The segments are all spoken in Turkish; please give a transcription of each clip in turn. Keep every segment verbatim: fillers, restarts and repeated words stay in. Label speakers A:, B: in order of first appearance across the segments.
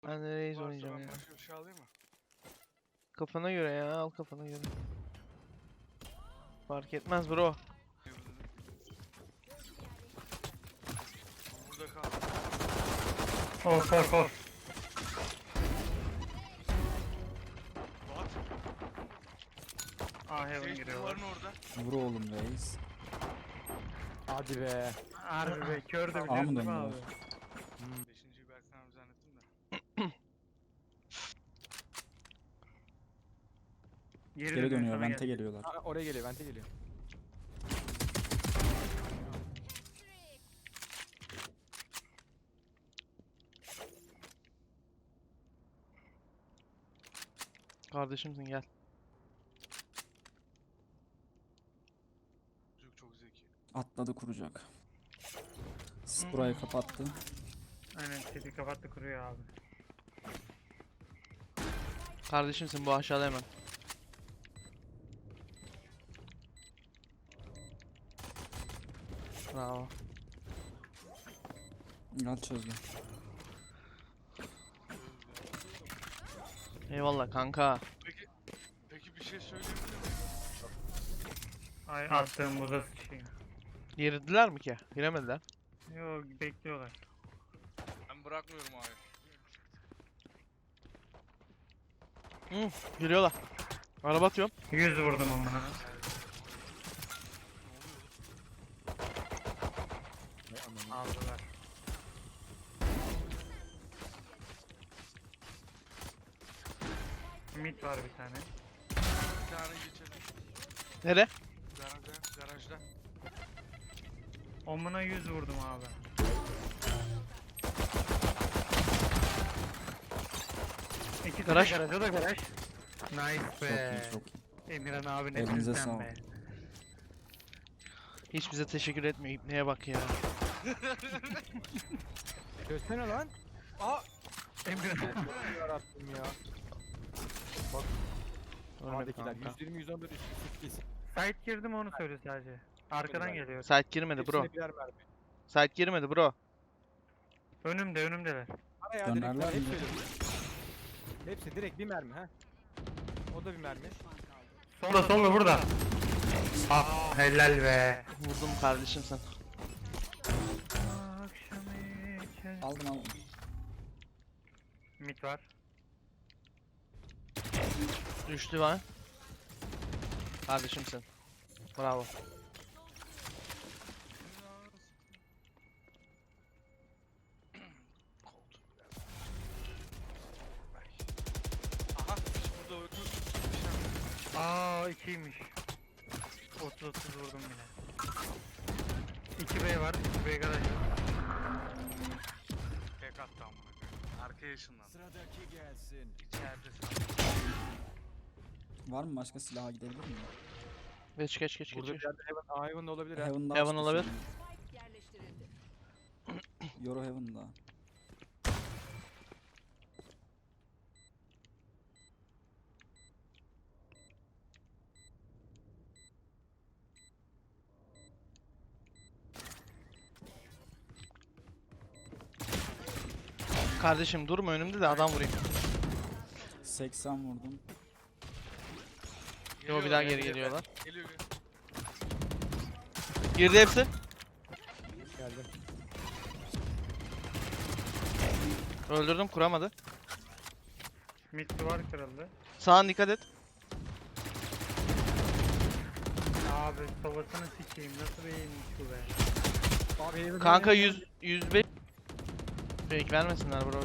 A: Ben de Raze
B: Varsa
A: oynayacağım
B: ben
A: ya.
B: başka bir şey alayım mı?
A: Kafana göre ya, al kafana göre. Fark etmez bro.
B: Burada kal.
C: Of of of.
B: What?
C: Ah heaven
B: Şey
C: giriyorlar.
B: duvarın orada.
D: Vur oğlum reis.
E: Hadi be.
C: Harbi be kör de
D: Aa mı
C: biliyorsun değil mi
D: döndüler?
C: abi?
B: Beşinciyi Berkan abi zannettim de.
C: Geri,
D: Geri dönüyor,
C: sana
D: vente
C: gel.
D: geliyorlar.
E: Aa, oraya geliyor, vente geliyor.
A: Kardeşimsin, gel.
B: Çocuk çok zeki.
D: Atladı kuracak. Sis burayı kapattı.
C: Aynen sesi kapattı kuruyor abi.
A: Kardeşimsin, bu aşağıda hemen. Bravo.
D: Gel çözdü.
A: Eyvallah kanka.
B: Peki, peki bir şey söyleyebilir miyim?
C: Ay attığım buza sıçayım.
A: Girdiler mi ki? Giremediler.
C: Yo bekliyorlar.
B: Ben bırakmıyorum abi.
A: Hı, giriyorlar. Araba atıyorum.
C: yüz vurdum onlara. Aldılar. Mid var bir tane.
B: Bir tane geçelim.
A: Nere?
B: Garajda, garajda.
C: Omuna yüz vurdum abi. İkisi
A: Garaj.
C: de garaj, o da garaj. Nice
D: Çok
C: be.
D: iyi, çok iyi.
C: Emirhan abi ne
D: Elinize
C: sen
D: sağlık.
C: be.
A: Hiç bize teşekkür etmiyor. İpneye bak ya.
E: Çözsene lan.
B: Aa!
C: Emirhan.
E: Yarabbim ya.
A: Ölmedi
E: Sağdakiler
A: kanka.
E: yüz yirmi yüz on bir üç yüz sekiz.
C: Site girdi mi onu söyle sadece. Arkadan geliyor.
A: Site girmedi bro.
E: Hepsine birer mermi.
A: Site girmedi bro.
C: Önümde önümdeler.
E: Ara ya direkt
D: Dönerler
E: ver,
D: mi?
E: hepsi öyle. Hepsi direkt bir mermi ha. O da bir mermi.
C: Solda solda burada. Ah helal be.
A: Vurdum kardeşimsin.
C: Akşamı içer-
D: Aldım aldım.
C: Mid var.
A: Düştü var. Kardeşimsin. Bravo.
B: Aha, burada öldü.
C: Aa ikiymiş. otuz otuz vurdum yine. iki B var. iki B garaj var.
B: Tek attı amına koyayım. Arkaya ışınlandı.
E: Sıradaki gelsin.
B: İçeride.
D: Var mı başka silaha gidebilir miyim?
A: Geç geç geç
E: Burada bir
A: geç.
E: yerde Heaven, Aa, Heaven'da olabilir ha.
D: Heaven'da
A: Heaven
D: açtı
A: olabilir.
D: şimdi.
F: Yerleştirildi.
D: Euro Heaven'da.
A: Kardeşim durma önümde de adam vurayım.
D: seksen vurdum.
A: Yo, bir daha geri geliyorlar.
B: Geliyor geliyor.
A: Girdi hepsi.
E: Geldim.
A: Öldürdüm, kuramadı.
C: Mid duvar kırıldı.
A: Sağına dikkat et.
C: Abi sobasını sikeyim nasıl beğenmiş bu be.
E: Abi Heaven.
A: Kanka yüz yüz beş. Fake vermesinler bro.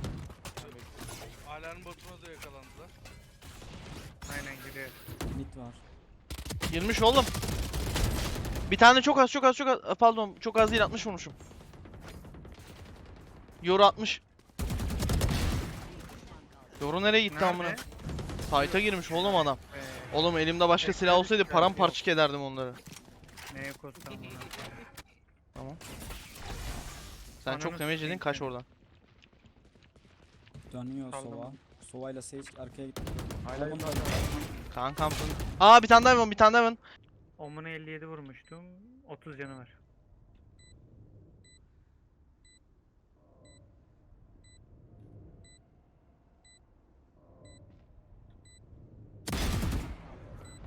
B: Alarm botuna da yakalandılar.
C: Aynen gidiyor.
D: Mid var.
A: Girmiş oğlum. Bir tane çok az çok az çok az. Pardon, çok az değil, altmış vurmuşum. Yoru altmış. Yoru nereye gitti amına?
C: Nerede?
A: Fight'a girmiş oğlum adam.
C: Be.
A: Oğlum elimde başka silah olsaydı paramparçık ederdim onları.
C: Neye kostam bunu?
A: Tamam. Sen
C: Ananı
A: çok damage
C: sikeyim
A: yedin, kaç
C: seni.
A: oradan.
D: Dönüyor
C: Kaldım.
D: Sova. Sova ile Sage arkaya gitti.
E: Hala
D: Heaven'da.
A: Kankam. Aa, bir tane daha var, bir tane daha var.
C: Omuna elli yedi vurmuştum. otuz canı var.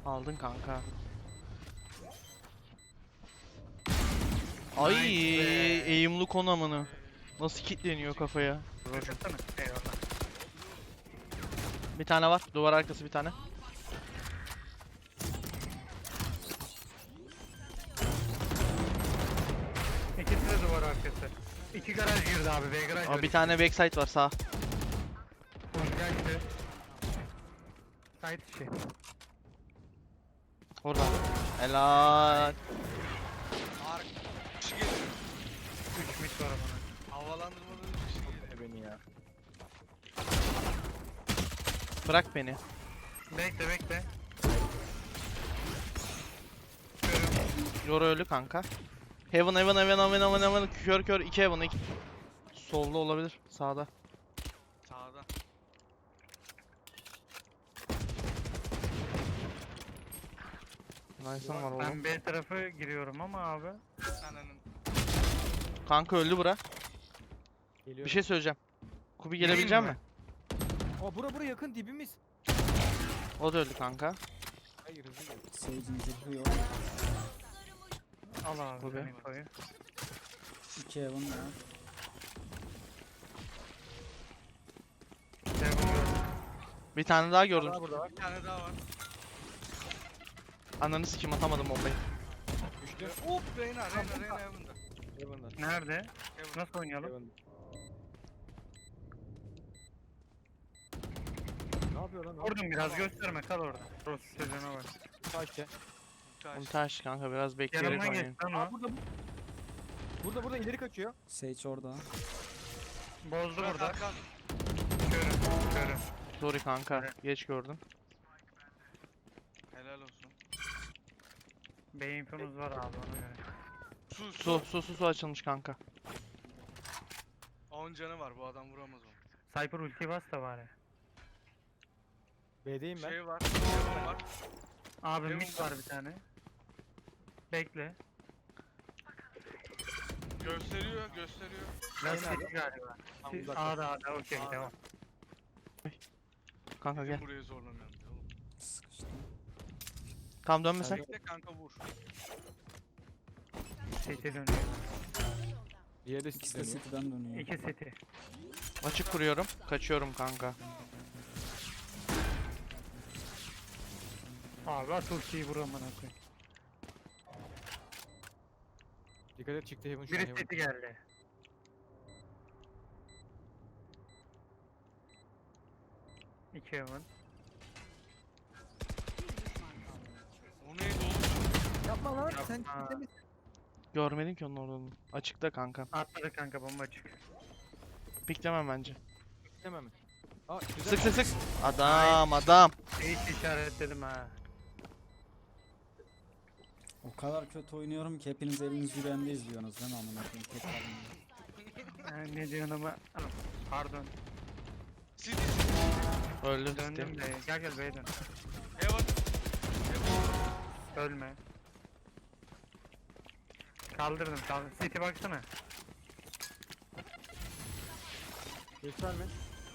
A: Aldın kanka. Ay
C: Nice be.
A: eğimli konamını. Nasıl kilitleniyor kafaya?
C: Baksana. Eyvallah.
A: Bir tane var. Duvar arkası bir tane.
C: İkisi de duvar arkası. İki garaj girdi abi. B garaj
A: Aa,
C: var.
A: bir tane backside var sağ.
C: Geldi. Side içi.
A: Orada. Helal.
B: Ark. Kişi geliyor.
C: Üç mit var bana.
B: Havalandırmadan üç kişi geliyor.
E: Beni ya.
A: Bırak beni.
C: Bekle bekle.
A: Yor ölü kanka. Heaven heaven heaven heaven heaven heaven kör kör iki heaven iki. Solda olabilir. Sağda.
B: Sağda.
A: Nice'ım var oğlum.
C: Ben B tarafı giriyorum ama abi.
B: Ananın.
A: Kanka öldü bura.
E: Geliyorum.
A: Bir şey söyleyeceğim. Kubi
C: Gireyim
A: gelebilecek
C: mi?
A: mi?
E: Aa bura bura yakın dibimiz.
A: O da öldü kanka.
E: Hayır hızlı gel.
D: Sage'in zırhı yok.
C: Al abi
A: Bu
C: sen
A: be.
C: infoyu.
D: İki Heaven var.
C: Devon gördüm.
A: Bir tane daha gördüm.
E: Daha burada var.
B: Bir tane daha var.
A: Ananı sikim atamadım bombayı.
E: Düştü.
B: Hop Reyna Reyna Reyna Heaven'da.
E: Heaven'da.
C: Nerede?
B: Heaven.
C: Nasıl oynayalım?
E: Heaven'da. Ne yapıyor lan? o?
C: Vurdum biraz gösterme kal orada. Rus sözüne bak.
E: Taşça.
B: Taş.
A: Ultaş kanka biraz bekleyerek
C: Yanımdan
A: oynayın.
C: geç lan
E: Aa
C: o.
E: burada bu. Burada burada ileri kaçıyor.
D: Sage orada.
C: Bozdu
B: Bırak
C: burada.
B: arkan.
C: Körüm. Körüm.
A: Sorry kanka. Geç gördüm.
B: Helal olsun.
C: B infonuz var abi ona göre.
B: Su
A: Su
B: su.
A: su su su açılmış kanka.
B: on canı var bu adam vuramaz onu.
C: Cypher ulti bas da bari.
E: B'deyim ben.
B: Şey var. Heaven var.
C: Abi
B: Devon
C: mid
B: var.
C: var bir tane. Bekle.
B: Gösteriyor gösteriyor.
C: Biraz
E: nerede?
C: city galiba.
E: Tam
C: Si-
E: uzakta.
C: A'da A'da okey
B: A'da.
C: devam.
A: Kanka
B: Bizim
A: gel.
B: buraya zorlamayalım. Oğlum.
D: Sıkıştı.
A: Tam dönme sen.
B: Bekle kanka vur.
C: City dönüyor.
E: Diğeri de
D: İkisi de
E: dönüyor.
D: City'den dönüyor.
C: İki city.
A: Açık kuruyorum. Kaçıyorum kanka.
C: Abi at ultiyi vur amına koyayım.
E: Dikkat et çıktı Heaven şu an
C: Biri
E: Heaven.
C: city geldi. İki heaven.
B: O neydi oğlum?
E: Yapma lan sen
C: Yapma.
E: ciddi misin?
A: Görmedim ki onun oradan. Açıkta kanka.
C: Atladı kanka bomba açık.
A: Piklemem bence.
E: Demem mi? Aa güzel.
A: Sık sık sık. Adam adam.
C: Hiç işaretledim ha.
D: O kadar kötü oynuyorum ki hepiniz eliniz yüreğinde izliyorsunuz değil mi amına koyayım? Tek kalın.
C: Ha, ne diyorsun ama. Anam, pardon.
B: City.
A: Öldü.
C: Döndüm
A: City.
C: de. Gel gel B'ye dön.
B: Heaven.
C: Ölme. Kaldırdım kaldır. City baksana.
E: Gösterme.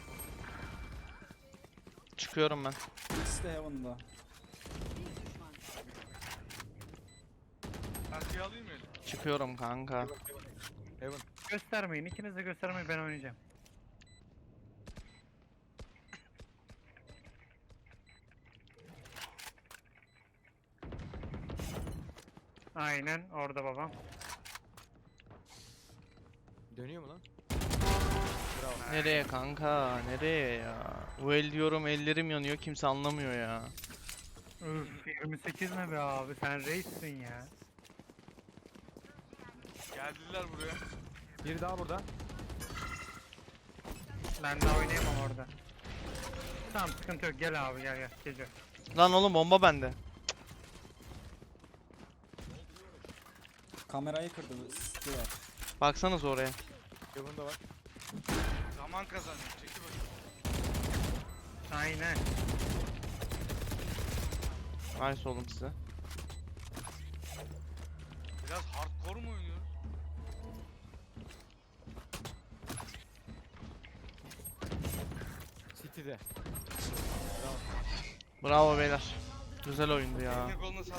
A: Çıkıyorum ben.
D: İkisi de Heaven'da.
B: Arkaya alayım mı eli?
A: Çıkıyorum kanka.
E: Heaven.
C: Göstermeyin. İkiniz de göstermeyin ben oynayacağım. Aynen orada babam.
E: Dönüyor mu lan?
A: Nereye kanka? Nereye ya? Bu el diyorum ellerim yanıyor kimse anlamıyor ya.
C: Üf yirmi sekiz ne be abi sen reissin ya.
B: Geldiler buraya.
E: Biri daha burada.
C: Ben daha oynayamam orada. Tamam sıkıntı yok gel abi gel gel gece.
A: Lan oğlum bomba bende.
D: Kamerayı kırdı. City var.
A: Baksanız oraya.
E: Heaven'da var.
B: Zaman kazanıyor. Çekil bakayım.
C: Aynen.
A: Nice oğlum size.
B: Biraz hardcore mu oynuyoruz?
E: City'de.
A: Bravo beyler. Güzel oyundu ya.
B: Eline koluna sağlık.